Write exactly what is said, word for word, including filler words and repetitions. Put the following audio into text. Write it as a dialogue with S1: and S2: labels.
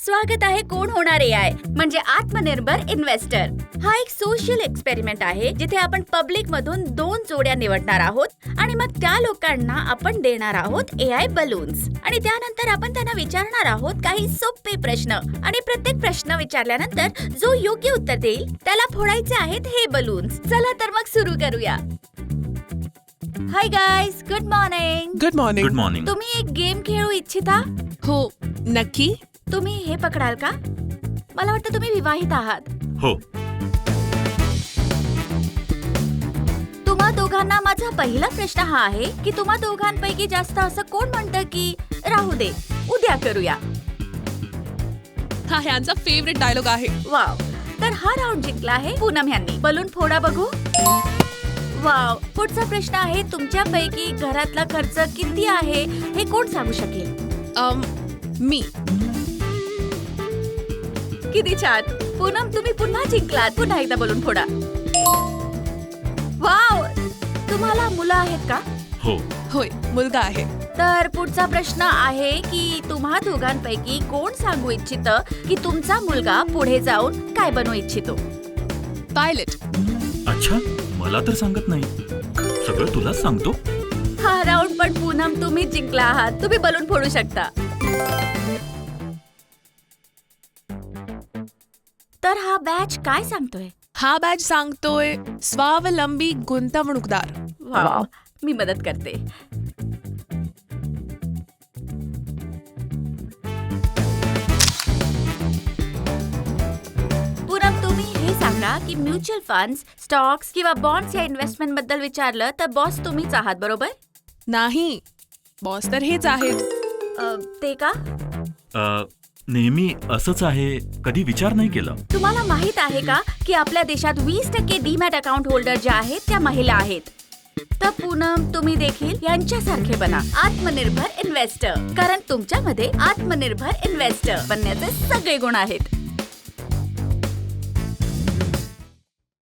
S1: स्वागत आहे कोण होणार एआय म्हणजे आत्मनिर्भर इन्व्हेस्टर. हा एक सोशल एक्सपेरिमेंट आहे जिथे आपण पब्लिक मधून दोन जोड्या निवडणार आहोत आणि मग त्या लोकांना आपण देणार आहोत एआय बलून्स आणि त्यानंतर आपण त्यांना विचारणार आहोत काही सोपे प्रश्न आणि प्रत्येक प्रश्न विचारल्यानंतर जो योग्य उत्तर देईल त्याला फोडायचे आहेत हे बलून्स. चला तर मग सुरू करूया. Hi guys, good morning.
S2: Good morning.
S3: Good morning.
S1: तुम्ही एक गेम खेळू इच्छिता?
S2: हो, नक्की.
S1: तुम्ही हे पकडाल का? मला वाटतं तुम्ही विवाहित आहात.
S3: हो.
S1: तुम्हा दोघांना माझा पहिला प्रश्न हा आहे की तुम्हा दोघांपैकी जास्त असं कोण म्हणतं की राहू दे, उद्या करूया.
S2: हा ह्यांचा फेवरेट डायलॉग आहे.
S1: वाव. तर हा राऊंड जिंकला आहे पूनम यांनी. बलून फोडा बघू. वाव. पुढचा प्रश्न आहे तुमच्यापैकी घरातला खर्च किती आहे हे कोण सांगू शकेल?
S2: um, मी.
S1: किती छान. पूनम, तुम्ही पुन्हा जिंकलात. पुन्हा एकदा बलून फोडा. वाव. तुम्हाला मुलं आहेत का?
S3: हो.
S2: होय, मुलगा आहे.
S1: तर पुढचा प्रश्न आहे की तुम्हा दोघांपैकी कोण सांगू इच्छितं की तुमचा मुलगा पुढे जाऊन काय बनवू इच्छितो?
S2: पायलट.
S3: अच्छा, मला तर सांगत नाही. सगळं तुलाच सांगतो.
S1: हा राऊंड पण पूनम तुम्ही जिंकला आहात. तुम्ही बलून फोडू शकता. तर हा बॅच काय सांगतोय?
S2: हा बॅच सांगतोय स्वावलंबी गुंतवणूकदार.
S1: वाव. मी मदत करते. पूनम, तुम्ही हे सांगा की म्युच्युअल फंड्स, स्टॉक्स किंवा बॉन्ड्स या इन्व्हेस्टमेंट बद्दल विचारलं तर बॉस तुम्हीच आहात, बरोबर?
S2: नाही, बॉस तर हेच आहेत.
S1: अ, ते का?
S3: अ, नेहमी असंच आहे. कधी विचार नाही केला.
S1: तुम्हाला माहित आहे का की आपल्या देशात वीस टक्के डीमॅट अकाउंट होल्डर ज्या आहेत त्या महिला आहेत. तर पूनम, तुम्ही देखील यांच्यासारखे बना आत्मनिर्भर इन्व्हेस्टर, कारण तुमच्यामध्ये आत्मनिर्भर इन्व्हेस्टर बनण्याचे सगळे गुण आहेत.